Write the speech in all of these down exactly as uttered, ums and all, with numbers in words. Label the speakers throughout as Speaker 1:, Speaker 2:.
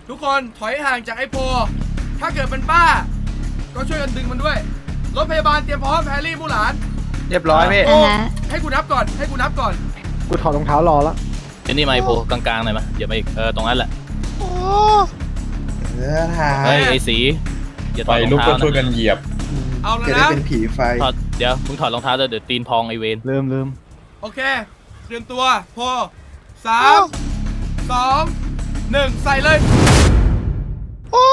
Speaker 1: ทุกคนถอยห่างจากไอ้โพถ้าเกิดเป็นป้าก็ช่วยกันดึงมันด้วยรถพยาบาลเตรียมพร้อมแพรรี่มู่หลาน
Speaker 2: เรียบร้อยพี่
Speaker 1: โอ้ให้กูนับก่อนให้กูนับก่อน
Speaker 3: กูถอดรองเท้ารอแล้ว
Speaker 4: เดี๋ยวนี่ไมโพกลางๆหน่อยมาอย่ามาอีกเออตรงนั้นแหละ
Speaker 5: โอ้
Speaker 2: เออถ่าย
Speaker 4: เฮ้ยไอ้สีอย่าถ
Speaker 6: ไป
Speaker 4: อดรอง
Speaker 6: ลุกก็
Speaker 4: เท้า
Speaker 6: ช่วย
Speaker 4: นะ
Speaker 6: กันเหยียบ
Speaker 1: เอาแล้ว
Speaker 2: จะได้
Speaker 1: นะ
Speaker 2: เป็นผีไฟ
Speaker 4: ถอดเดี๋ยวมึงถอดรองเท้าเดี๋ยวตีนพองไอเวน
Speaker 3: ลืมลืม
Speaker 1: โอเคเตรียมตัวโพสามสองหนึ่งใส่เลย
Speaker 5: โอ้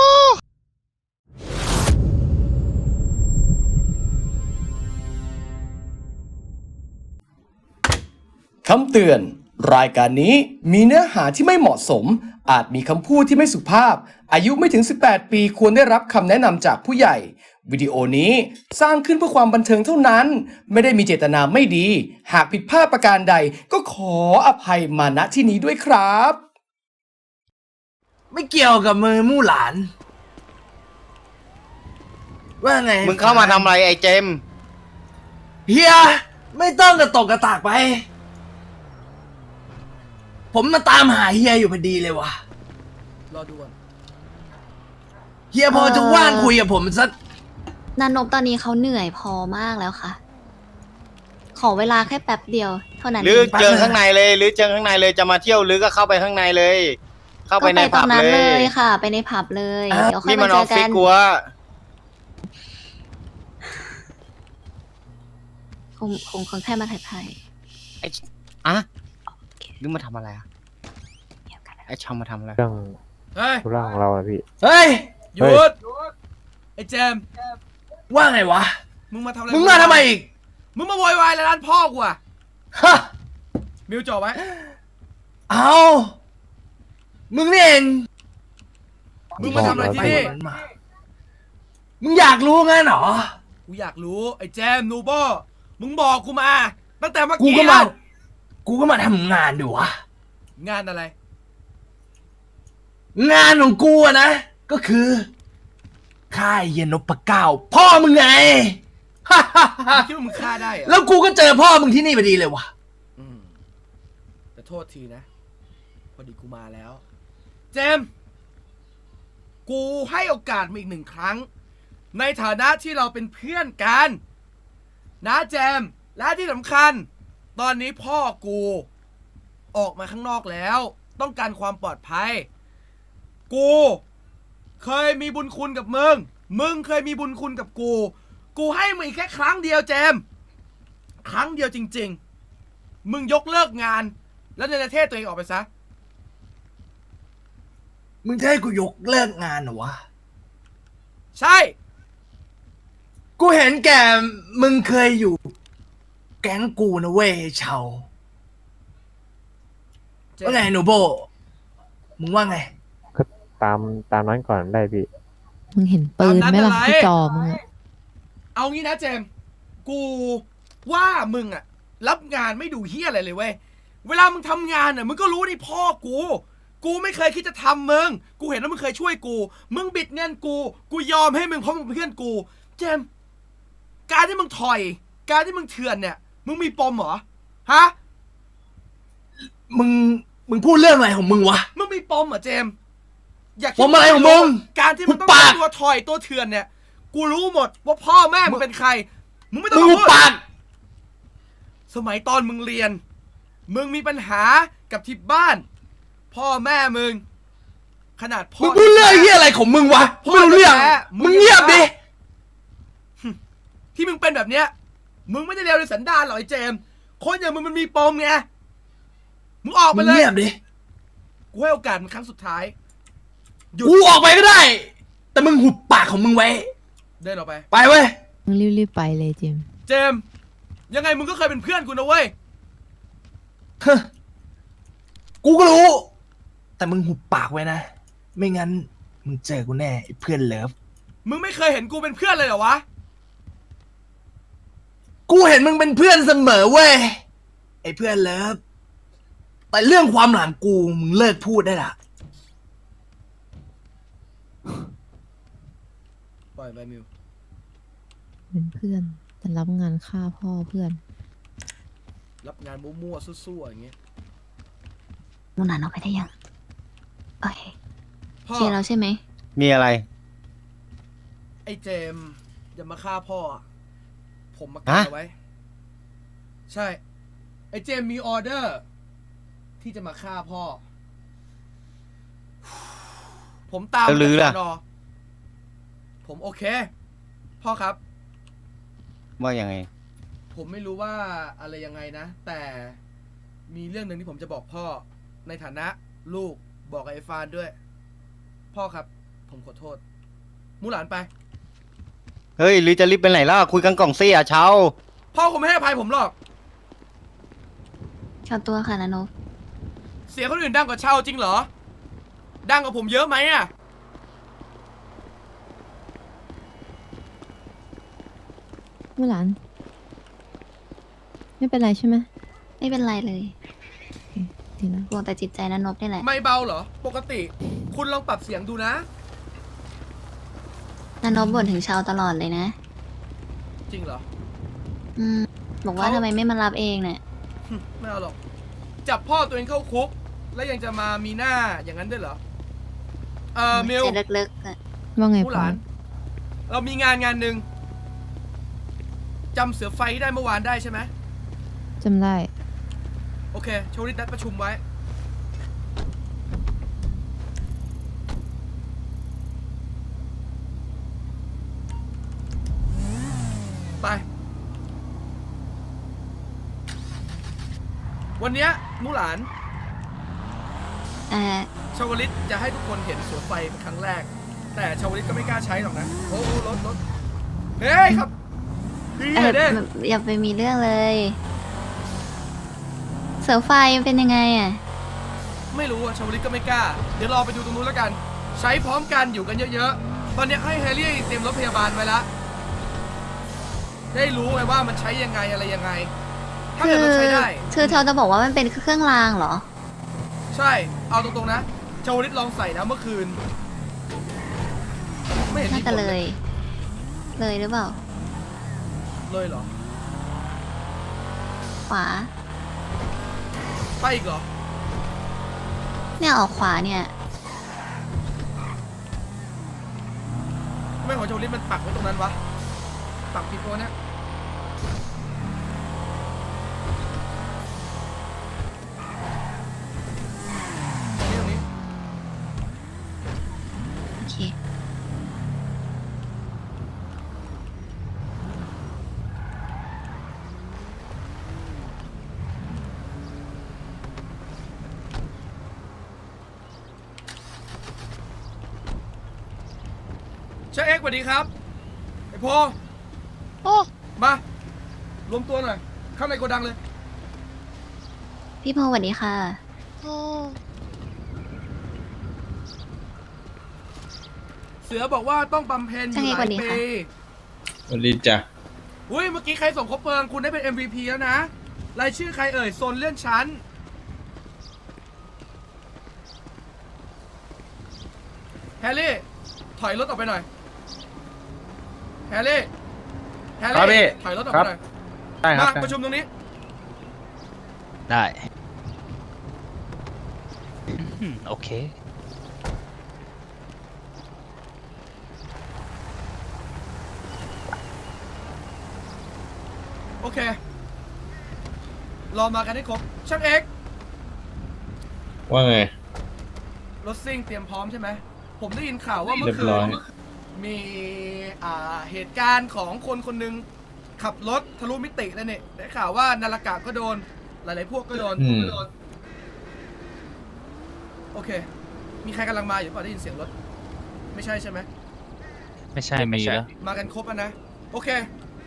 Speaker 7: คำเตือนรายการนี้มีเนื้อหาที่ไม่เหมาะสมอาจมีคำพูดที่ไม่สุภาพอายุไม่ถึงสิบแปดปีควรได้รับคำแนะนำจากผู้ใหญ่วิดีโอนี้สร้างขึ้นเพื่อความบันเทิงเท่านั้นไม่ได้มีเจตนาไม่ดีหากผิดพลาดประการใดก็ขออภัยมาณที่นี้ด้วยครับ
Speaker 8: ไม่เกี่ยวกับมือมู่หลานว่าไง
Speaker 2: มึงเข้ามาทำอะไรไอ้เจม
Speaker 8: เฮียไม่ต้องกระตกกระตากไปผมมาตามหาเฮียอยู่พอดีเลยวะ
Speaker 1: รอดูก่อน
Speaker 8: เฮียพอจะว่างคุยกับผมสัก
Speaker 5: นานบตอนนี้เขาเหนื่อยพอมากแล้วค่ะ ขอเวลาแค่แป๊บเดียวเท่านั้น
Speaker 2: หรือ
Speaker 5: เอง
Speaker 2: เจอข้างในเลยหรือเจอข้างในเลยจะมาเที่ยวหรือก็เข้าไปข้างในเลย เข้าไปใน
Speaker 5: ก็ตร
Speaker 2: ผับ
Speaker 5: งนั้น
Speaker 2: เล
Speaker 5: เลย ยค่ะ ไปในผับเลย เดี๋ยวค่อย
Speaker 2: นี่
Speaker 5: มา
Speaker 2: มัน
Speaker 5: เจ
Speaker 2: อ
Speaker 5: อ
Speaker 2: อฟ
Speaker 5: กั
Speaker 2: ฟิศ
Speaker 5: น
Speaker 2: กูวะ
Speaker 5: คงคงคงแค่มาถ่ายไพ่
Speaker 2: อะหรือมาทำอะไรอะไอ้ชอมมาทำอะไร
Speaker 3: เรื่อง
Speaker 1: เฮ้ย
Speaker 3: ธุระของเราอะพี่
Speaker 8: เฮ้ย
Speaker 1: หยุดไอ้แจม
Speaker 8: ว่าไงวะ
Speaker 1: มึงมาทำอะไร
Speaker 8: มึงมาทำไมอีก
Speaker 1: มึงมาโวยวายอะไรร้านพ่อกูอะ
Speaker 8: ฮะ
Speaker 1: มิวจ่อไว้
Speaker 8: เอามึงนี่เอง
Speaker 1: มึงมาทำอะไรที่นี่
Speaker 8: มันมามึงอยากรู้งั้นเหรอ
Speaker 1: กูอยากรู้ไอ้แจมนูโบมึงบอกกูมาตั้งแต่เมื่อ
Speaker 8: กู
Speaker 1: กี้
Speaker 8: ก็มา
Speaker 1: แล้ว
Speaker 8: กูก็มาทำงานดูวะ
Speaker 1: งานอะไร
Speaker 8: งานของกูอะนะ ก็คือค่ายเยนนพเก้าพ่อมึงไง
Speaker 1: มึงคิดว่ามึงฆ่าได้เหรอ
Speaker 8: แล้วกูก็เจอพ่อมึงที่นี่พอดีเลยวะ
Speaker 1: อืมแต่โทษทีนะ พอดีกูมาแล้ว เจมส์กูให้โอกาสมาอีกหนึ่งครั้ง ในฐานะที่เราเป็นเพื่อนกันนะเจมส์และที่สำคัญ ตอนนี้พ่อกูออกมาข้างนอกแล้ว ต้องการความปลอดภัย กูเคยมีบุญคุณกับมึง มึงเคยมีบุญคุณกับกู กูให้มึงอีกแค่ครั้งเดียวเจมส์ครั้งเดียวจริงๆ มึงยกเลิกงาน แล้วเนรเทศตัวเองออกไปซะ
Speaker 8: มึงจะให้กูยกเลิกงานเหรอวะ
Speaker 1: ใช่
Speaker 8: กูเห็นแกมึงเคยอยู่ แก๊งกูนะเว้ยเชาว่าไงหนูโบ มึงว่าไง
Speaker 3: ก็ตามตามนั้นก่อนได้พี่
Speaker 9: มึงเห็นปืนไหมล่ะที่จอมึงอะ
Speaker 1: เอางี้นะเจมส์กูว่ามึงอะรับงานไม่ดูเฮี้ยอะไรเลยเว้ย เวลามึงทำงานอะมึงก็รู้นี่พ่อกู กูไม่เคยคิดจะทำมึง กูเห็นว่ามึงเคยช่วยกู มึงบิดเงินกู กูยอมให้มึงเพราะมึงเป็นเพื่อนกู เจมส์การที่มึงถอย การที่มึงเถื่อนเนี่ย มึงมีปมเหรอ ฮะ
Speaker 8: มึง มึงพูดเรื่องอะไรของมึงวะ
Speaker 1: มึงมีปมเหรอเจมส์อยากคิด
Speaker 8: ปมอะไรของมึง
Speaker 1: การที่มึงต้อง
Speaker 8: หุบปาก
Speaker 1: เป็นตัวถอยตัวเถื่อนเนี่ย กูรู้หมดว่าพ่อแม่มึงเป็นใคร มึงไม่ต้อ
Speaker 8: มึ
Speaker 1: ง
Speaker 8: ง
Speaker 1: มา
Speaker 8: หุบ
Speaker 1: พูด
Speaker 8: ปาก
Speaker 1: สมัยตอนมึงเรียน มึงมีปัญหากับที่บ้าน พ่อแม่มึง ขนาดพ่อ
Speaker 8: มึงพูดเรื่องเฮียอะไรของมึงวะ
Speaker 1: พ่อ
Speaker 8: ไม่รู้เรื่อง
Speaker 1: แท้ๆ
Speaker 8: มึงเงียบดิ
Speaker 1: ที่มึงเป็นแบบเนี้ย มึงไม่ได้เลวในสันดานหรอกไอ้เจมส์คนอย่างมึงมันมีปมไง มึงออกไป
Speaker 8: มึง
Speaker 1: เลย
Speaker 8: เงียบดิ
Speaker 1: กูให้โอกาสมึงครั้งสุดท้าย หยุด
Speaker 8: กูออกไปก็ได้ แต่มึงหุบปากของมึงไว้
Speaker 1: เดินออกไป
Speaker 8: ไปเว้ย
Speaker 9: มึงรีบๆไปเลยเจมส์
Speaker 1: เจมส์ยังไงมึงก็เคยเป็นเพื่อนกูนะเว้ย
Speaker 8: ฮะกูก็รู้ แต่มึงหุบปากไว้นะ ไม่งั้น มึงเจอกูแน่ไอ้เพื่อนเลิฟ
Speaker 1: มึงไม่เคยเห็นกูเป็นเพื่อนเลยเหรอวะ
Speaker 8: กูเห็นมึงเป็นเพื่อนเสมอเว้ย ไอ้เพื่อนเลิฟ แต่เรื่องความหลังกูมึงเลิกพูดได้ละ
Speaker 1: ปล่อยไปมิว
Speaker 9: เป็นเพื่อนแต่รับงานฆ่าพ่อเพื่อน
Speaker 1: รับงานมั่วๆซั่วๆอย่างเงี้ย
Speaker 5: มูนานออกไปได้ยัง โอเคโอเคแล้วใช่ไหม
Speaker 2: มีอะไร
Speaker 1: ไอ้เจมส์อย่ามาฆ่าพ่ออะผมมากัน
Speaker 2: ฮะ
Speaker 1: เอาไว้ ใช่ ไอ้เจมส์มีออเดอร์ ที่จะมาฆ่าพ่อ ผมตาม
Speaker 2: แล้วลือล่ะ
Speaker 1: สนผมโอเค พ่อครับ
Speaker 2: ว่ายังไง
Speaker 1: ผมไม่รู้ว่าอะไรยังไงนะ แต่มีเรื่องหนึ่งที่ผมจะบอกพ่อในฐานะลูกบอกกับไอ้ฟานด้วย พ่อครับ ผมขอโทษ มูหลานไป
Speaker 2: เฮ้ยหรือจะรีบไปไหนล่ะ คุยกันกล่องซี่อ่ะเช้า
Speaker 1: พ่อคงไม่ให้อภัยผมหรอก
Speaker 5: ขอตัวค่ะนานบ
Speaker 1: เสียงคนอื่นดังกว่าเช่าจริงเหรอ ดังกว่าผมเยอะไหมอะ
Speaker 9: มู่หลาน ไม่เป็นไรใช่ไหม
Speaker 5: ไม่เป็นไรเลย
Speaker 9: ดีแล้ว
Speaker 5: ห่วงแต่จิตใจนานบนี่แหละ
Speaker 1: ไม่เบาเหรอ ปกติ คุณลองปรับเสียงดูนะ
Speaker 5: นานบบ่นถึงชาวตลอดเลยนะ
Speaker 1: จริงเหรอ
Speaker 5: อืม บอกว่า
Speaker 1: เขา
Speaker 5: ทำไมไม่มารับเองเนี่ย
Speaker 1: ไม่เอาหรอก จับพ่อตัวเองเข้าคุก แล้วยังจะมามีหน้าอย่างนั้นด้วยเหรอ เอ่อมิว
Speaker 5: ใจลึกๆอะ
Speaker 9: ว่าไง
Speaker 1: ผู้
Speaker 9: พ่
Speaker 1: ห
Speaker 9: อ
Speaker 1: ลาน เรามีงานงานหนึ่งจำเสือไฟที่ได้เมื่อวานได้ใช่ไหม
Speaker 9: จำได้
Speaker 1: โอเคโชว์ริดนัดประชุมไว้ ไป วันเนี้ยมูหลาน
Speaker 5: เอ่อ
Speaker 1: ชาวลิตจะให้ทุกคนเห็นเสือไฟเป็นครั้งแรก แต่ชาวลิตก็ไม่กล้าใช้หรอกนะ โอ้โหรถรถเฮ้ยครับดี
Speaker 5: เออ
Speaker 1: เด้
Speaker 5: อย่าไปมีเรื่องเลย เสือไฟมันเป็นยังไงอ่ะ
Speaker 1: ไม่รู้อะชาวลิตก็ไม่กล้า เดี๋ยวรอไปดูตรงนู้นแล้วกัน ใช้พร้อมกันอยู่กันเยอะๆ ตอนนี้ให้แฮร์รี่เตรียมรถพยาบาลไว้แล้ว ได้รู้ไงว่ามันใช้ยังไงอะไรยังไง ถ้า
Speaker 5: คื
Speaker 1: เกิดเราใช้ได้
Speaker 5: คือเขาจะบอกว่ามันเป็นเครื่องรางเหรอ
Speaker 1: ใช่ เอาตรงๆนะ ชาวลิตลองใส่นะเมื่อคืน ไม่เห็น
Speaker 5: น่า
Speaker 1: มีผ
Speaker 5: จะ
Speaker 1: ล
Speaker 5: เล
Speaker 1: เลย
Speaker 5: ย เลยหรือเปล่า
Speaker 1: เลยเหรอ
Speaker 5: ขวา
Speaker 1: ไปอีกเหรอ
Speaker 5: เนี่ยออกขวาเนี่ย
Speaker 1: ทำไม่ของชาวลิตมันปักไว้ตรงนั้นวะ ปักผิดตัวเนี่ยตรงนี้ตรงนี้
Speaker 5: โอเค
Speaker 1: เชฟเอ็กซ์สวัสดีครับ ไอโพ
Speaker 6: โอ้
Speaker 1: มารวมตัวหน่อย เข้าในโกดังเลย
Speaker 5: พี่พงศ์สวัสดีค่ะ
Speaker 6: โอ้
Speaker 1: เสือบอกว่าต้องบำเพ็ญอยู่ห
Speaker 5: ใช่
Speaker 1: ลา
Speaker 5: สวั
Speaker 1: ย
Speaker 5: สดี
Speaker 1: ปี
Speaker 5: ค่ะ
Speaker 10: สวัสดีจ้ะ
Speaker 1: อุ้ยเมื่อกี้ใครส่งคบเพลิงคุณได้เป็น เอ็ม วี พี แล้วนะ รายชื่อใครเอ่ยโซนเลื่อนชั้น แฮร์รี่ ถอยรถออกไปหน่อย แฮร์รี่ แฮร์
Speaker 2: ครับพี่
Speaker 1: รี่ ถอยรถออกไปหน่อย
Speaker 2: ได้ครับ
Speaker 1: มาประชุมตรงนี้
Speaker 2: ได้
Speaker 4: โอเค
Speaker 1: โอเค รอมากันให้ครบ ช่างเอ็กซ์
Speaker 10: ว่าไง
Speaker 1: รถซิ่งเตรียมพร้อมใช่ไหม ผมได้ยินข่าวว่าเมื่
Speaker 10: เรี
Speaker 1: อย
Speaker 10: บ
Speaker 1: คื
Speaker 10: ร้อย
Speaker 1: นมีอ่าเหตุการณ์ของคนคนหนึ่งขับรถทะลุมิติแล้วเนี่ยได้ข่าวว่านาฬกะก็โดน หลายๆพวกก็โดน
Speaker 10: อืม
Speaker 1: โอเค มีใครกำลังมาอยู่เปล่าได้ยินเสียงรถ ไม่ใช่ใช่ไหม
Speaker 4: ไม่ใช่ไม่ใช่
Speaker 1: มากันครบแล้วนะ โอเค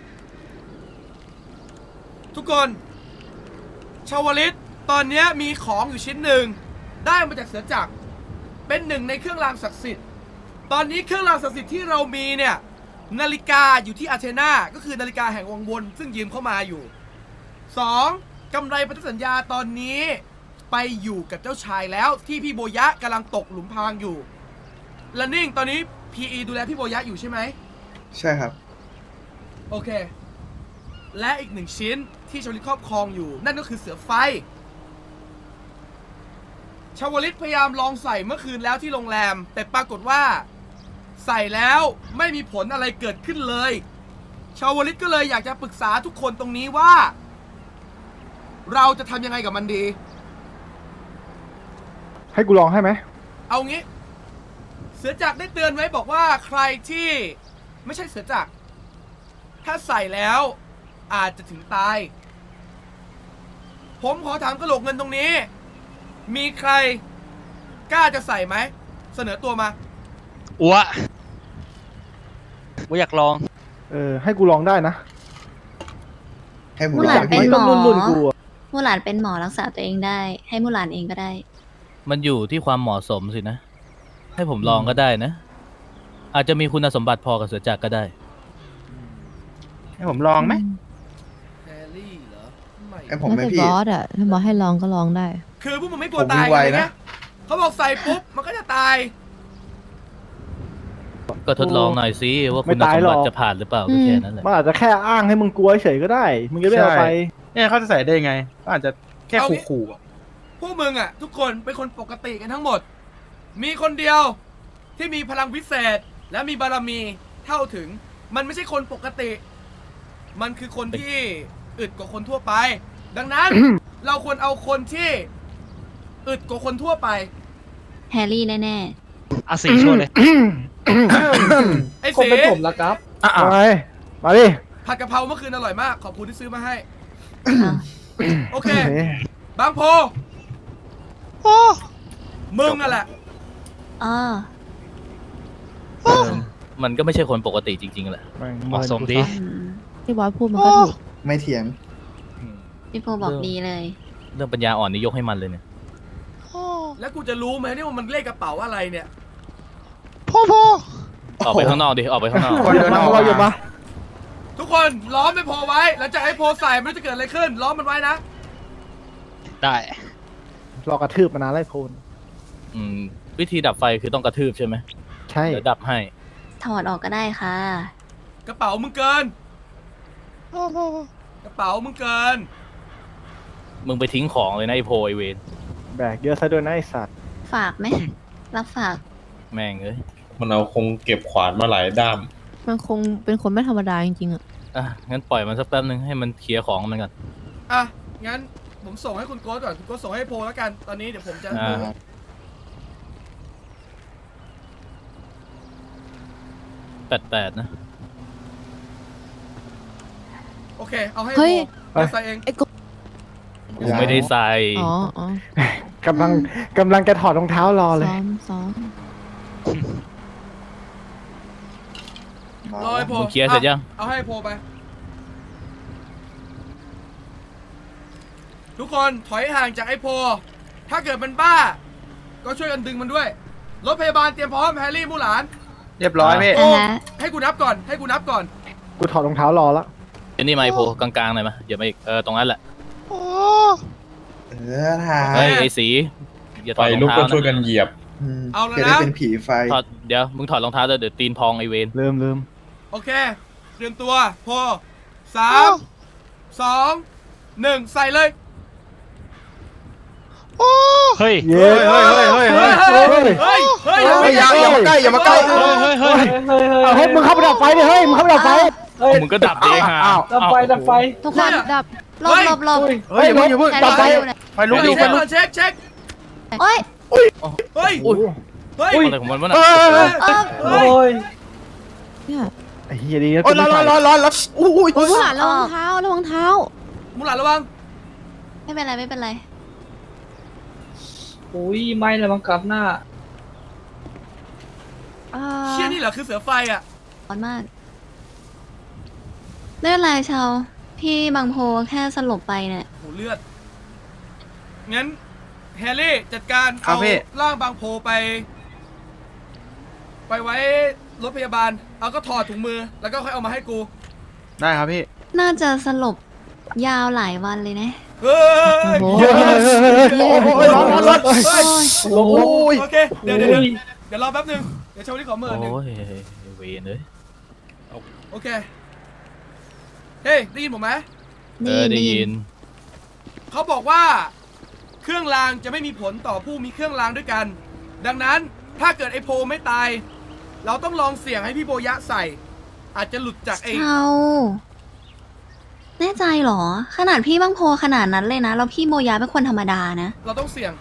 Speaker 1: ทุกคน ชาวลิต ตอนเนี้ยมีของอยู่ชิ้นหนึ่ง ได้มาจากเสือจักร เป็นหนึ่งในเครื่องรางศักดิ์สิทธิ์ ตอนนี้เครื่องรางศักดิ์สิทธิ์ที่เรามีเนี่ย นาฬิกาอยู่ที่อาเทนา ก็คือนาฬิกาแห่งวังวนซึ่งยืมเข้ามาอยู่ สองกำไรพันธสัญญาตอนนี้ไปอยู่กับเจ้าชายแล้วที่พี่โบยะกำลังตกหลุมพรางอยู่และนิ่งตอนนี้ พี อี ดูแลพี่โบยะอยู่ใช่ไหม
Speaker 8: ใช่ครับ
Speaker 1: โอเค และอีกหนึ่งชิ้นที่ชาวลิตครอบครองอยู่ นั่นก็คือเสือไฟชาวลิตพยายามลองใส่เมื่อคืนแล้วที่โรงแรม แต่ปรากฏว่า ใส่แล้วไม่มีผลอะไรเกิดขึ้นเลย ชาวลิตก็เลยอยากจะปรึกษาทุกคนตรงนี้ว่า เราจะทำยังไงกับมันดี
Speaker 3: ให้กูลองให้ไหม
Speaker 1: เอางี้ เสือจักรได้เตือนไว้บอกว่าใครที่ไม่ใช่เสือจักรถ้าใส่แล้วอาจจะถึงตาย ผมขอถามกระโหลกเงินตรงนี้ มีใครกล้าจะใส่ไหม เสนอตัวมา
Speaker 4: อัวอัวอยากลอง
Speaker 3: เออ ให้กูลองได้นะ
Speaker 8: ให้ผม
Speaker 5: มู
Speaker 8: ล
Speaker 5: ห
Speaker 8: อ
Speaker 5: ลาง นเป็น
Speaker 3: ไม่
Speaker 5: หม
Speaker 3: ต้อง
Speaker 5: อ
Speaker 3: รุ่นรุ่นกูอะ
Speaker 5: มูหลานเป็นหมอรักษาตัวเองได้ ให้มูหลานเองก็ได้
Speaker 4: มันอยู่ที่ความเหมาะสมสินะ ให้ผมลองก็ได้นะ อาจจะมีคุณสมบัติพอกับเสือจักรก็ได้
Speaker 2: ให้ผมลองไหม
Speaker 1: แฮร์รี่เหรอไม่
Speaker 8: ให้ผม
Speaker 9: แล้ว
Speaker 8: ไหม
Speaker 9: แต่
Speaker 8: พี่
Speaker 9: บอสอ่ะ ถ้าบอสให้ลองก็ลองได้
Speaker 1: คือพวกมึงไม่กลัว
Speaker 8: ผม
Speaker 1: ตาย
Speaker 8: วิ่งไว
Speaker 1: กันเลย
Speaker 8: นะ
Speaker 1: นะเขาบอกใส่ปุ๊บ มันก็จะตาย
Speaker 4: ก็ทดลองหน่อยสิว่า
Speaker 3: ไม่
Speaker 4: คุณส
Speaker 3: ตาย
Speaker 4: ม
Speaker 3: หร
Speaker 4: บั
Speaker 3: อก
Speaker 4: ติจะผ่านหรือเปล่า
Speaker 9: อื
Speaker 4: ก็
Speaker 9: ม
Speaker 4: แค่นั้นแหละ
Speaker 3: มันอาจจะแค่อ้างให้มึงกลัวเฉยก็ได้ มึงจะได้เอาไป
Speaker 2: เนี่ยเขาจะใส่ได้ไงก็อาจจะแค่
Speaker 1: เอางี้
Speaker 2: ขู่ๆอะ
Speaker 1: พวกมึงอ่ะ ทุกคนเป็นคนปกติกันทั้งหมด มีคนเดียวที่มีพลังวิเศษ และมีบารมีเท่าถึง มันไม่ใช่คนปกติ มันคือคนที่อึดกว่าคนทั่วไป ดังนั้น เราควรเอาคนที่อึดกว่าคนทั่วไป
Speaker 5: แฮร์รี่แน่
Speaker 4: อาสีชวนเลย
Speaker 1: ไอ้
Speaker 3: คง
Speaker 1: เสี
Speaker 3: เป็นผมละครับ
Speaker 2: อ่ะ
Speaker 3: มาไงมาดิ
Speaker 1: ผัดกะเพราเมื่อคืนอร่อยมาก ขอบคุณที่ซื้อมาให้
Speaker 5: ๆอ้าว
Speaker 1: โอเค
Speaker 3: โอเค
Speaker 1: บางโพมึงอ่ะแหละ
Speaker 5: อ๋อ
Speaker 4: เออมันก็ไม่ใช่คนปกติจริงๆแหละ
Speaker 3: แม่ง
Speaker 4: เหมาะสมดี
Speaker 5: อืม
Speaker 9: ที่บอสพูดมันก็ถูก
Speaker 8: ไม่เถียง
Speaker 5: พี่โพบอกดีเลย
Speaker 4: เรื่องปัญญาอ่อนนี่ยกให้มันเลยเนี่ย
Speaker 1: แล้วกูจะรู้ไหมเนี่ยว่ามันเลขกระเป๋าอะไรเนี่ย
Speaker 4: ออกไปข้างนอกดิ ออกไปข้างนอก
Speaker 3: คนเดินออกเราอยู่มา
Speaker 1: ทุกคนล้อมไม่พอไว้หลังจากไอ้โพใส่ไม่รู้จะเกิดอะไรขึ้น ล้อมมันไว้นะ
Speaker 4: ได้
Speaker 3: รอกระทืบมานานไล่โพน
Speaker 4: อืม วิธีดับไฟคือต้องกระทืบใช่ไหม
Speaker 3: ใช่
Speaker 4: เดี๋ยวดับให้
Speaker 5: ถอดออกก็ได้ค่ะ
Speaker 1: กระเป๋ามึงเกิน กระเป๋ามึงเกิน
Speaker 4: มึงไปทิ้งของเลยนะไอโพไอเวน
Speaker 3: แบกเยอะซะด้วยนะไอสัตว์
Speaker 5: ฝากไหม รับฝาก
Speaker 4: แม่งเอ้ย
Speaker 10: มันเอาคงเก็บขวานมาหลายด้าม
Speaker 9: มันคงเป็นคนไม่ธรรมดาจริงๆอ่ะ
Speaker 4: อ่ะ งั้นปล่อยมันสักแป๊บนึงให้มันเคลียร์ของมันก่อน
Speaker 1: อ่ะ งั้นผมส่งให้คุณโก้ก่อน คุณโก้ส่งให้โพแล้วกัน ตอนนี้เดี๋ยวผมจะ
Speaker 4: อ่า แปดแปดนะ
Speaker 1: โอเค เอาให้
Speaker 9: เฮ้
Speaker 1: โพ
Speaker 9: ย
Speaker 1: ไปใส่เอง
Speaker 9: ไอ้กบ
Speaker 4: กูไม่ได้ใส่
Speaker 9: อ๋ออ๋อก
Speaker 3: ำลังกำลังจะถอดรองเท้ารอเลย
Speaker 9: ซ้อมซ้อม
Speaker 1: รอให้โพ
Speaker 4: มึงเคลียร์เสร็จยัง
Speaker 1: เอาให้โพไป ทุกคนถอยห่างจากไอ้โพ ถ้าเกิดมันบ้า ก็ช่วยกันดึงมันด้วย รถพยาบาลเตรียมพร้อมแฮร์รี่มู่หลาน
Speaker 2: เรียบร้อยพี่
Speaker 1: โอ้
Speaker 5: อ่าฮะ
Speaker 1: ให้กูนับก่อน ให้กูนับก่อน
Speaker 3: กูถอดรองเท้ารอแล้ว
Speaker 4: เดี๋ยวนี่มาไอโพกลางๆหน่อยมาอย่ามาอีก เออ ตรงนั้นแหละ
Speaker 8: เออถ่า
Speaker 4: เฮ้ย
Speaker 8: ย
Speaker 4: ไอสี อย่าถ
Speaker 10: ไฟ
Speaker 4: อดรอง
Speaker 10: ลุก
Speaker 4: เท้า
Speaker 10: ก็ช่วย
Speaker 4: นะ
Speaker 10: กันเหยียบ
Speaker 8: ม
Speaker 1: เอาแล้วนะ
Speaker 8: จะได้เป็นผีไฟ
Speaker 4: ถอด เดี๋ยว มึงถอดรองเท้าด้วยเดี๋ยวตีนพองไอเวน
Speaker 3: ลืมลืม
Speaker 1: โอเค เตรียมตัว โพสามสองหนึ่งใส่เลย
Speaker 4: เฮ้ย
Speaker 3: เย้เฮ้ยเฮ้ยเฮ้ยเฮ้ยเฮ้ย
Speaker 1: เฮ้ย เฮ้ย
Speaker 3: เฮ้ยอย่าอย่ามาใกล้อย่ามาใกล้
Speaker 4: เฮ้ยเฮ้ยเฮ้ย
Speaker 3: เอาให้มึงเข้าไปดับไฟดิเฮ้ยมึงเข้าไปดับไฟ
Speaker 4: มึงก็ดับเองฮะ
Speaker 2: ดับไฟดับไฟ
Speaker 5: ทุกคนดับหลบหลบหลบ
Speaker 3: เฮ้ยอย่าเพิ่งอย่าเพิ่ง
Speaker 5: แฮร์
Speaker 3: ดับไฟ
Speaker 5: รี่ดูหน่อย
Speaker 2: ไฟลุกอยู่ไฟ
Speaker 1: เช็ค
Speaker 2: ลุ
Speaker 1: ก่อก นเช็คเช็ค
Speaker 5: โอ๊ย
Speaker 1: เฮ้ย
Speaker 4: อุ้ย
Speaker 1: เฮ้ย
Speaker 4: อะไรของมันวะน่ะ
Speaker 3: เฮ้ย
Speaker 5: เออ
Speaker 1: เฮ้ย
Speaker 9: เนี่ย
Speaker 3: ไอ้เหี้ยดีนะ
Speaker 2: โอ้ยร้อนร้อนร้อนร้อนแล้วอุ้ย
Speaker 9: โอ้ยผู้หลานระวังเท้าระวังเท้า
Speaker 1: มูหลานระวัง
Speaker 5: ไม่เป็นไรไม่เป็นไร
Speaker 6: อุ้ยไม่เลยบังกับหน้า
Speaker 5: อ่า
Speaker 1: เชี่ยนี่เหรอคือเสือไฟอ่ะ
Speaker 5: ร้อนมากไม่เป็นไรชาวพี่บางโพแค่สลบไปเนี่ย
Speaker 1: โหเลือด งั้นแฮร์รี่จัดการ
Speaker 2: ครับ
Speaker 1: เอา
Speaker 2: พี่
Speaker 1: ร่างบางโพไป ไปไว้รถพยาบาล เอาก็ถอดถุงมือ แล้วก็ค่อยเอามาให้กู
Speaker 2: ได้ครับพี่
Speaker 5: น่าจะสลบยาวหลายวันเลยนะ
Speaker 1: เฮ้ย
Speaker 9: โอ้
Speaker 3: เฮ้ยเฮ้ยเฮ้ยเฮ้ยโอ้ยร้อนร้อนร้อน
Speaker 1: เฮ้ย
Speaker 3: ลงลง
Speaker 1: โอเค เดี๋ยวเดี๋ยวเดี๋ยวเดี๋ยวรอแป๊บนึง เดี๋ยวชาวนี้ขอเมินหนึ่ง
Speaker 4: โอ้ยเวนเลย
Speaker 1: โอเค เฮ้ยได้ยินผมไหม
Speaker 4: เออได้ยิน
Speaker 1: เขาบอกว่าเครื่องรางจะไม่มีผลต่อผู้มีเครื่องรางด้วยกัน ดังนั้นถ้าเกิดไอโพไม่ตาย เราต้องลองเสี่ยงให้พี่โบยะใส่ อาจจะหลุดจากไอ
Speaker 5: เชาแน่ใจเหรอ ขนาดพี่บังโพขนาดนั้นเลยนะแล้วพี่โมยาเป็นคนธรรมดานะ
Speaker 1: เราต้องเสี่ยง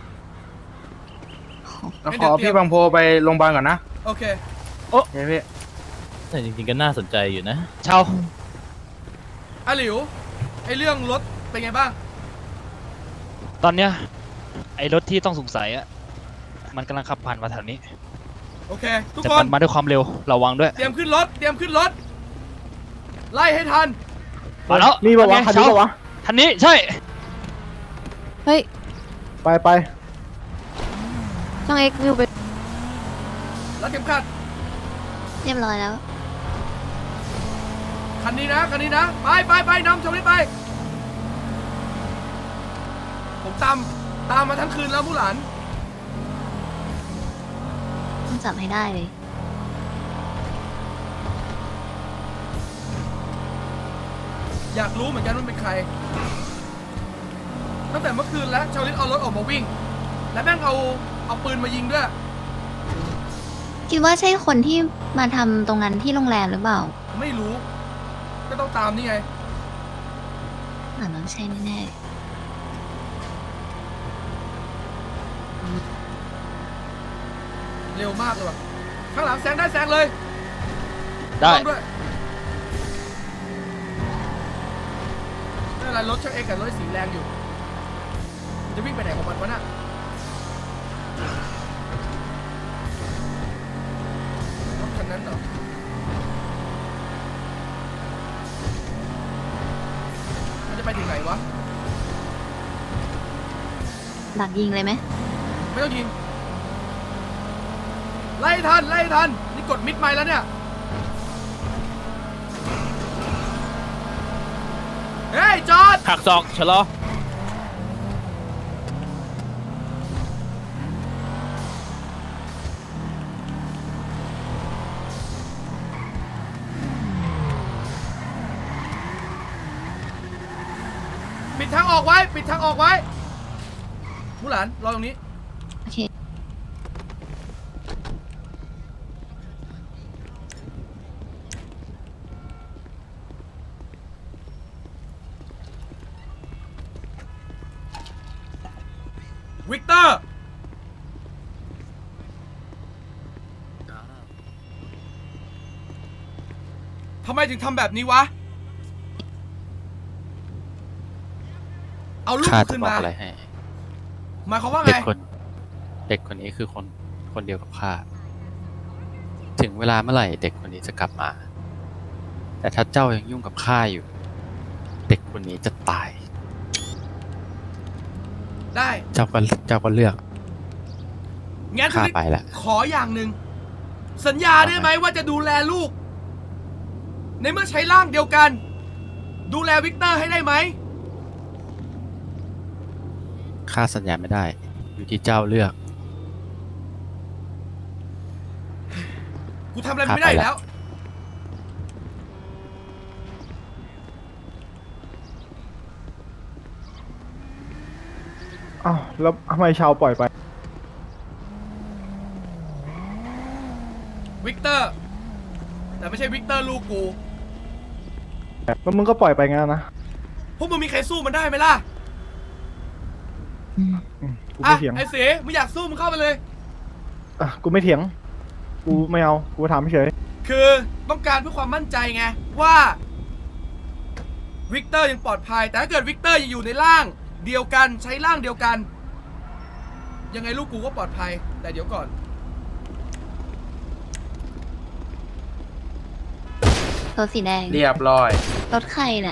Speaker 3: ขอพี่บางโพไปโรงพยาบาลก่อนนะ
Speaker 1: โอเค
Speaker 3: โอเคพี่
Speaker 4: แต่จริงๆก็น่าสนใจอยู่นะ
Speaker 6: เชา
Speaker 1: อาหลิวไอเรื่องรถเป็นไงบ้าง
Speaker 6: ตอนเนี้ยไอ้รถที่ต้องสงสัยอะมันกำลังขับผ่านมาแถวนี้
Speaker 1: โอเค ทุก
Speaker 6: แต่
Speaker 1: ค
Speaker 6: มัน นมาด้วยความเร็วระวังด้วย
Speaker 1: เตรียมขึ้นรถ เตรียมขึ้นรถ ไล่ให้ทัน
Speaker 6: มาแล้ว
Speaker 3: นี่ปะวะ
Speaker 6: ไง
Speaker 3: คันนี้ปะวะ
Speaker 6: ทันนี้ใช่
Speaker 9: เฮ้ย
Speaker 3: ไปไป
Speaker 9: ช่างเอ็กซ์วิวไป
Speaker 1: แล้วเข็มขัด
Speaker 5: เรียบร้อยแล้ว
Speaker 1: คันนี้นะคันนี้นะ ไปไปไปนำชมนี้ไป ผมตามตามมาทั้งคืนแล้วมูหลาน
Speaker 5: ต้องจับให้ได้เลย
Speaker 1: อยากรู้เหมือนกันว่าเป็นใคร ตั้งแต่เมื่อคืนแล้วชาวลิตเอารถออกมาวิ่ง และแม่งเอาเอาปืนมายิงด้วย
Speaker 5: คิดว่าใช่คนที่มาทำตรงนั้นที่โรงแรมหรือเปล่า
Speaker 1: ไม่รู้ ก็ต้องตามนี่ไง
Speaker 5: อ่าน้องใช่แน่
Speaker 1: เร็วมากเลยว่ะ ข้างหลังแซงได้แซงเลย
Speaker 6: ได้
Speaker 1: ต้องด้วยไม่เป็นไรรถช่างเอกกับรถสีแรงอยู่มันจะวิ่งไปไหนของมันวะน่ะรถคันนั้นเหรอ มันจะไปถึงไหนวะ
Speaker 5: ๆดักยิงเลยไหม
Speaker 1: ไม่ต้องยิง ไล่ทัน ไล่ทัน นี่กดมิดไมล์แล้วเนี่ย เฮ้ย จอด
Speaker 4: หักศอกชะลอ
Speaker 1: ปิดทางออกไว้ ปิดทางออกไว้มูหลาน รอตรงนี้
Speaker 5: โอเค
Speaker 1: วิกเตอร์ ทำไมถึงทำแบบนี้วะ เอาลูก
Speaker 2: ข้าจะ
Speaker 1: ขึ้น
Speaker 2: บอก
Speaker 1: มา
Speaker 2: อะไรให้
Speaker 1: หมายความว่า
Speaker 2: เด็
Speaker 1: ไง
Speaker 2: กคน เด็กคนนี้คือคนคนเดียวกับข้า ถึงเวลาเมื่อไหร่เด็กคนนี้จะกลับมา แต่ถ้าเจ้ายังยุ่งกับข้าอยู่ เด็กคนนี้จะตาย
Speaker 1: ได้
Speaker 2: เจ้าก็เจ้าก็เลือก
Speaker 1: งั้น
Speaker 2: ข้าไปละ
Speaker 1: ขออย่างหนึ่ง สัญญาได้ไหมว่าจะดูแลลูก ในเมื่อใช้ร่างเดียวกัน ดูแลวิกเตอร์ให้ได้ไหม
Speaker 2: ข้าสัญญาไม่ได้ อยู่ที่เจ้าเลือก
Speaker 1: กูทำอะไรไม่ได้อีกแล้ว
Speaker 3: อ้าวแล้วทำไมชาวปล่อยไป
Speaker 1: วิกเตอร์ แต่ไม่ใช่วิกเตอร์ลูกกู
Speaker 3: แล้วมึงก็ปล่อยไปงั้นนะ
Speaker 1: พวกมึงมีใครสู้มันได้ไหมล่ะ
Speaker 3: อืมกู
Speaker 1: อ่ะ
Speaker 3: ไม่เถียง
Speaker 1: ไอ้เสมึงอยากสู้มึงเข้าไปเลย
Speaker 3: อ่ะกูไม่เถียง กูไม่เอา กูถามเฉย
Speaker 1: คือต้องการเพื่อความมั่นใจไงว่าวิกเตอร์ยังปลอดภัย แต่ถ้าเกิดวิกเตอร์ยังอยู่ในร่างเดียวกันใช้ร่างเดียวกัน ยังไงลูกกูก็ปลอดภัย แต่เดี๋ยวก่อน
Speaker 5: รถสีแดง
Speaker 3: เรียบร้อย
Speaker 5: รถใครเนี่ย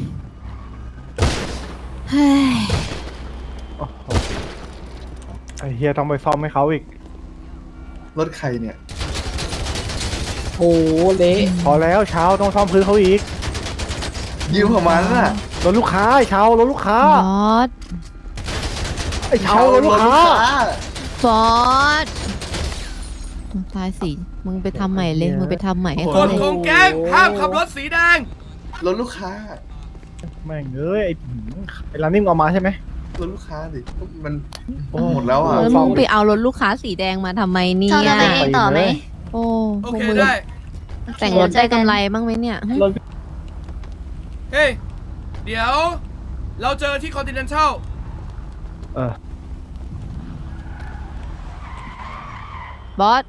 Speaker 9: เฮ้ย
Speaker 3: โอ้โหไอ้เฮียต้องไปซ่อมให้เขาอีก
Speaker 8: รถใครเนี่ย
Speaker 3: โอ้เละพอแล้วเช้าต้องซ่อมพื้นเขาอีก
Speaker 8: ยืมของมันน่ะ
Speaker 3: รถลูกค้าไอ้เช้ารถลูกค้า
Speaker 9: ฟอส
Speaker 3: ไอ้เช้ารถลูกค้า
Speaker 9: ฟอสตายสิ มึงไปทำใหม่เลย มึงไปทำใหม่ให้
Speaker 1: ก
Speaker 9: เขา
Speaker 1: ฎ
Speaker 9: เลย
Speaker 1: ของแก๊งห้ามขับรถสีแดง
Speaker 8: รถลูกค้า
Speaker 3: แม่งเอ้ยไอ้ไอ้ร้านนิ่มเอามาใช่ไหม
Speaker 8: รถลูกค้าดิมันโอ้หมดแล้วอ่ะ
Speaker 9: แล้วมึงไปเอารถลูกค้าสีแดงมาทำไมเนี่
Speaker 5: ชอบจะ
Speaker 9: ย
Speaker 5: ไปเองต่อไหม
Speaker 9: โอ้
Speaker 1: โอ
Speaker 9: พวก
Speaker 1: เค
Speaker 9: มึง
Speaker 1: ได้
Speaker 9: แต่งรถได้กำไรบ้างไหมเนี่ยหึ
Speaker 1: เฮ้ย เดี๋ยว เราเจอที่คอนติเนนทัล
Speaker 3: เออ
Speaker 9: บอส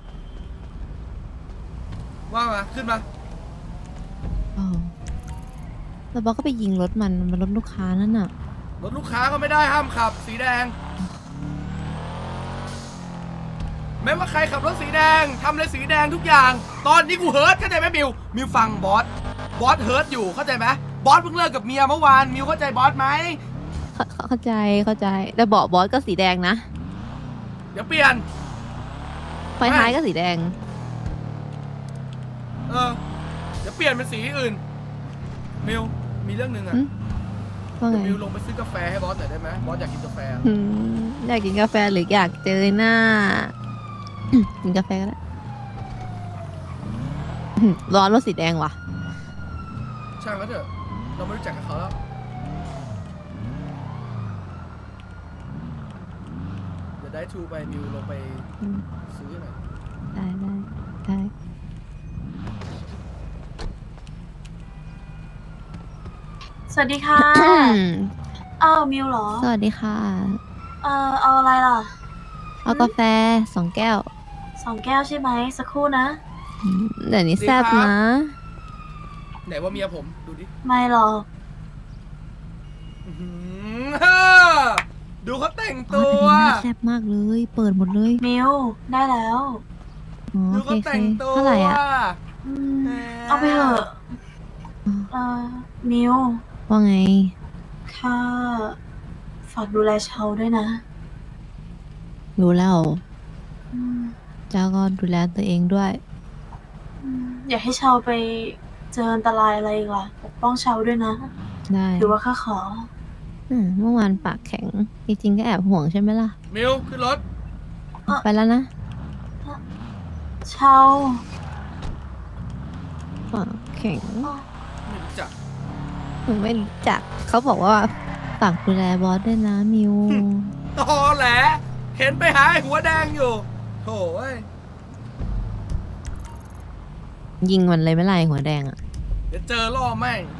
Speaker 1: ว่ามา ขึ้นมา
Speaker 9: อ๋อแล้วบอสก็ไปยิงรถมันมันรถลูกค้านั่นน่ะ
Speaker 1: รถลูกค้าก็ไม่ได้ห้ามขับ สีแดง ไม่ว่าใครขับรถสีแดงทำเลยสีแดงทุกอย่าง ตอนนี้กูเฮิร์ตเข้าใจไหมมิว มิวฟังบอส บอสเฮิร์ตอยู่เข้าใจไหมบอสเพิ่งเลิกกับเมียเมื่อวาน มิวเข้าใจบอสไหม
Speaker 9: เข้าเข้าใจเข้าใจแต่เบาะบอสก็สีแดงนะ
Speaker 1: เดี๋ยวเปลี่ยน
Speaker 9: ไฟท้ายก็สีแดง
Speaker 1: เออ เดี๋ยวเปลี่ยนเป็นสีอื่น มิว มีเรื่องหนึ่งอะ
Speaker 9: หึ ว่าไง
Speaker 1: เดี๋ยวมิวลงไปซื้อกาแฟให้บอสหน่อยได้ไหมบอสอยากกินกาแฟ
Speaker 9: อืมอยากกินกาแฟหรืออยากเจอหน้า กินกาแฟก็ได้อืมร้อนรถสีแดงว่ะ
Speaker 1: ช่างแล้วเถอะ เราไม่รู้จักกับเขาแล้ว เดี๋ยวได้ทูไปมิวลงไป
Speaker 9: อืม
Speaker 1: ซื้อหน่อย
Speaker 9: ได้ได้ได้
Speaker 11: สวัสดีค่ะ อ้าวมิวเหรอ
Speaker 9: สวัสดีค่ะ
Speaker 11: เออเอาอะไรล่ะ
Speaker 9: เอากาแฟสองแก้ว
Speaker 11: สองแก้วใช่ไหมสักครู่นะ
Speaker 9: อืมเดี๋ยวนี้แซ่บนะ
Speaker 1: ไหนว่าเมียผม ดูดิ
Speaker 11: ไม่หรอก
Speaker 1: อื้อหือฮ่าดูเขาแต่ง
Speaker 9: อ๋อ
Speaker 1: ตัว
Speaker 9: แต่นี่หน้าแซ่บมากเลย เปิดหมดเลย
Speaker 11: มิวได้แล้ว
Speaker 9: อ๋อ
Speaker 1: ดู
Speaker 9: โอเค
Speaker 1: เขา
Speaker 9: โอเค
Speaker 1: แต่งตัว
Speaker 9: เท่าไหร่อ่ะ
Speaker 11: อืมเอาไปเถอะเออมิว
Speaker 9: ว่าไง
Speaker 11: ค่ะฝากดูแลเชาด้วยนะ
Speaker 9: รู้แล้ว
Speaker 11: อืม
Speaker 9: เจ้าก็ดูแลตัวเองด้วย
Speaker 11: อืมอย่าให้เชาไปเจออันตรายอะไรอีกล่ะปกป้องเชาด้วยนะ
Speaker 9: ได้
Speaker 11: หรือว่าข้าขอ
Speaker 9: อืมเมื่อวานปากแข็ง จริงๆก็แอบห่วงใช่ไหมล่ะ
Speaker 1: มิวขึ้นรถ
Speaker 9: ไปแล้วนะ
Speaker 11: เชา
Speaker 9: ปากแข็ง
Speaker 1: ไม่รู้จัก
Speaker 9: หนูไม่รู้จัก เขาบอกว่าฝากดูแลบอสด้วยนะมิว
Speaker 1: ตอแหล เห็นไปหาไอ้หัวแดงอยู่โถ่เอ้ย
Speaker 9: ยิงมันเลยไม่ไรหัวแดงอ่ะ
Speaker 1: เดี๋ยวเจอล่อแม่ง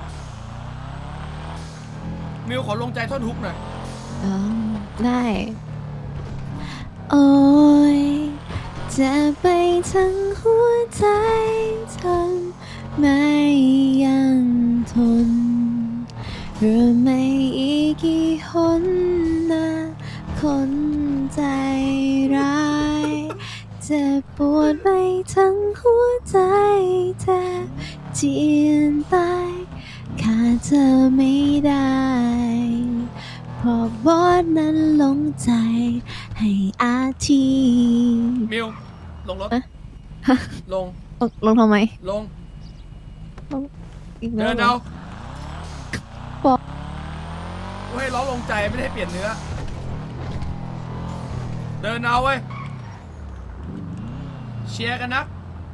Speaker 1: มิวขอลงใจท่อนฮุกหน่อย
Speaker 9: เออได้ โอ้ยจะไปทั้งหัวใจทนไม่ยังทนหรือไม่อีกกี่หนนะคนใจร้ายเจ็บปวดไปทั้งหัวใจแทบเจียนตายขาดเธอไม่ได้เพราะบอสนั้นหลงใจให้อาที
Speaker 1: มิว ลงรถ
Speaker 9: อะ
Speaker 1: ลง
Speaker 9: ลงลงทำไม
Speaker 1: ลง
Speaker 9: อีกแล้
Speaker 1: เดิ
Speaker 9: วน เหร
Speaker 1: เอา
Speaker 9: บอส
Speaker 1: กูให้ล้อลงใจไม่ได้เปลี่ยนเนื้อ เดินเอาเว้ย เชียร์กันนะ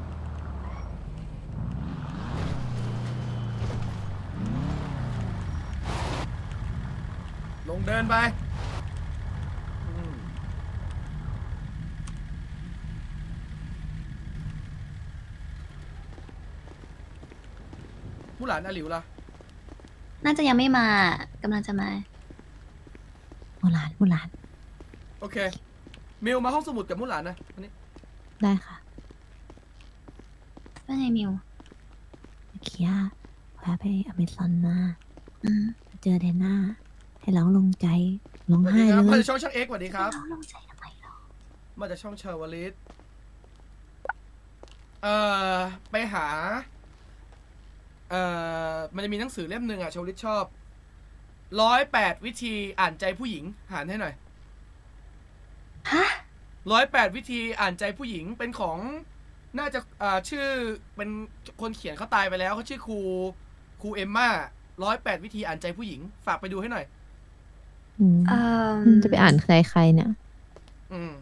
Speaker 1: ลงเดินไปอืมผู้หลานอาหลิวล่ะ
Speaker 5: น่าจะยังไม่มากำลังจะมา
Speaker 9: โบราณโบราณ
Speaker 1: โอเค มิวมาห้องสมุดกับมุหลานนะวันนี้
Speaker 9: ได้ค่ะ
Speaker 5: ว่าไงมิว
Speaker 9: เมื่อกี้อะแวะไปอเมซอนมา
Speaker 5: อืม
Speaker 9: เจอเดน่าให้ร้องลงใจร้อง
Speaker 1: สวัส
Speaker 9: ไห้
Speaker 1: ดีครับ
Speaker 9: เล
Speaker 1: มาย จากช่องช่างเอ็กซ์สวัสดีครับ
Speaker 5: เราลงใจทำไมหรอ
Speaker 1: มาจากช่องเชอร์วลิสเอ่อ ไปหา เอ่อ มันจะมีหนังสือเล่มหนึ่งอ่ะเชอร์วลิสชอบ ร้อยแปดวิธีอ่านใจผู้หญิงหารให้หน่อย
Speaker 5: ฮะ
Speaker 1: ร้อยแปดวิธีอ่านใจผู้หญิงเป็นของ น่าจะอ่าชื่อ เป็นคนเขียนเขาตายไปแล้วเขาชื่อครู ครูเอมม่า ร้อยแปดวิธีอ่านใจผู้หญิง ฝากไปดูให้หน่อย
Speaker 9: อืม
Speaker 5: เอ่อ
Speaker 9: จะไปอ่านใครใครเนี่ย
Speaker 1: อืม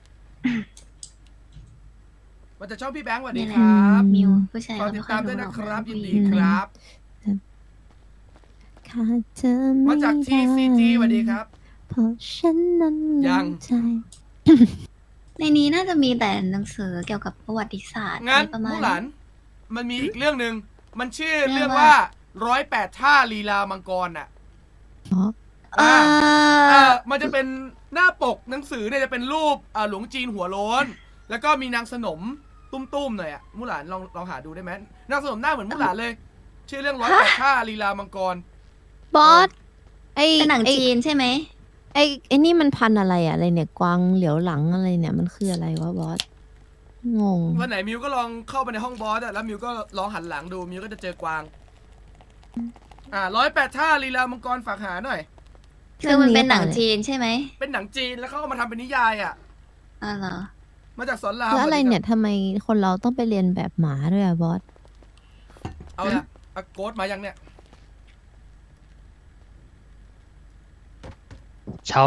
Speaker 1: มาจากช่องพี่แบงค์สวัสดี
Speaker 5: นี่แห
Speaker 1: ค
Speaker 5: ละ
Speaker 1: รับ
Speaker 5: มิวผู้ชาย
Speaker 1: ฝาก
Speaker 5: เขา
Speaker 1: ติ
Speaker 5: ไม่
Speaker 1: ด
Speaker 5: ค่อ
Speaker 1: ตาย มด้วย
Speaker 5: รู้หร
Speaker 1: นะ
Speaker 5: อก
Speaker 1: ครับ
Speaker 5: ว่า
Speaker 1: ยินดี
Speaker 5: ผู้หญิง
Speaker 1: ครับ
Speaker 9: ขาดเธอไม่
Speaker 1: มาจาก ที ซี จี สวัสดีครับ
Speaker 9: เพราะฉันนั้น
Speaker 1: ยัง
Speaker 9: ใจ
Speaker 5: ในนี้น่าจะมีแต่หนังสือเกี่ยวกับประวัติศาสตร์
Speaker 1: งั้น
Speaker 5: อะไรประมา
Speaker 1: มู
Speaker 5: ณ
Speaker 1: หลาน มันมีอีกเรื่องหนึ่ง มันชื่อ
Speaker 5: เรื่
Speaker 1: เรื่อ
Speaker 5: อง ง
Speaker 1: ว่า
Speaker 5: ว่า
Speaker 1: ร้อยแปดท่าลีลามังกรอ่ะ
Speaker 9: อ๋อ
Speaker 5: เอ่
Speaker 1: อ่า
Speaker 5: อ
Speaker 1: เอ่อมันจะเป็นหน้าปกหนังสือเนี่ยจะเป็นรูปอ่าหลวงจีนหัวโล้น แล้วก็มีนางสนมตุ้มๆหน่อยอ่ะมูหลานลองลองหาดูได้ไหมนางสนมหน้าเหมือนมูหลานเลย ชื่อเรื่องร้อยแปดท่าลีลามังกร
Speaker 9: บอส ไอ
Speaker 5: เป็นหนัง
Speaker 9: ไอ
Speaker 5: จีนใช่ไหม
Speaker 9: ไอไอนี่มันพันธุ์อะไรอะอะไรเนี่ย กวางเหลียวหลังอะไรเนี่ย มันคืออะไรวะบอส งง
Speaker 1: วันไหนมิวก็ลองเข้าไปในห้องบอสอะแล้วมิวก็ลองหันหลังดูมิวก็จะเจอกวาง อ่าร้อยแปดท่าลีลามังกรฝากหาหน่อย
Speaker 5: คือมันเป็นหนังจีนใช่ไหม
Speaker 1: เป็นหนังจีนแล้วเขาก็มาทำเป็นนิยายอ่ะ
Speaker 5: อ๋อเหรอ
Speaker 1: มาจากสอนราม
Speaker 9: แล้วอะไร
Speaker 1: หมืกั
Speaker 9: เนี่ยทำไมคนเราต้องไปเรียนแบบหมาด้วยอะบอส
Speaker 1: เอาละอะโกดมายังเนี่ย
Speaker 6: เชา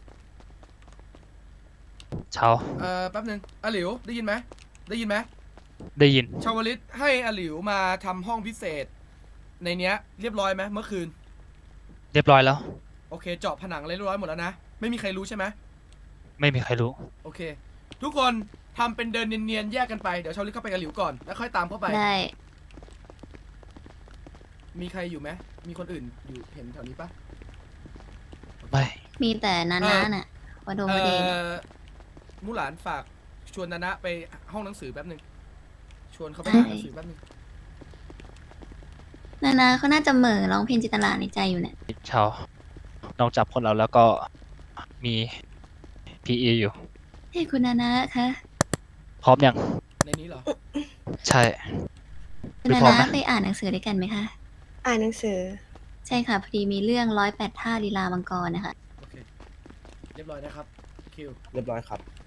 Speaker 6: เชา
Speaker 1: เอ่อแป๊บนึงอาหลิวได้ยินไหมได้ยินไหม
Speaker 6: ได้ยิน
Speaker 1: ชาวลิตให้อาหลิวมาทำห้องพิเศษ ในเนี้ย เรียบร้อยไหมเมื่อคืน
Speaker 6: เรียบร้อยแล้ว
Speaker 1: โอเคเจาะผนังอะไรเรียบร้อยหมดแล้วนะไม่มีใครรู้ใช่ไหม
Speaker 6: ไม่มีใครรู้
Speaker 1: โอเค ทุกคนทำเป็นเดินเนียนๆแยกกันไปเดี๋ยวชาวลิตเข้าไปกับหลิวก่อนแล้วค่อยตามเข้าไป
Speaker 5: ได้
Speaker 1: มีใครอยู่ไหมมีคนอื่นอยู่เห็นแถวนี้ปะ
Speaker 6: ไม่
Speaker 5: มีแต่นานาน่ะวโด
Speaker 1: เอ่
Speaker 5: วเดน
Speaker 1: อมูหลานฝากชวนนานะไปห้องหนังสือแป๊บหนึ่งชวนเขาไปหาหนังสือแป๊บหนึ่ง
Speaker 5: นานาเขาน่าจะเหม่อร้องเพลงจินตลาในใจอยู่เนี่ย
Speaker 6: เชานอกจากคนเราแล้วก็มี พี อี อยู่
Speaker 5: เฮ้ยคุณนานะคะ
Speaker 6: พร้อมยัง
Speaker 1: ในนี้เหรอ
Speaker 6: ใช่
Speaker 5: คุณ
Speaker 6: ไม่
Speaker 5: นา
Speaker 6: พร้อม
Speaker 5: นา
Speaker 6: นะ
Speaker 5: ไปอ่านหนังสือด้วยกันไหมคะ
Speaker 12: อ่านหนังสือ
Speaker 5: ใช่ค่ะพอดีมีเรื่องร้อยแปดท่าลีลามังกรนะคะ
Speaker 1: โอเค เรียบร้อยนะครับ คิว
Speaker 3: เรียบร้อยครับ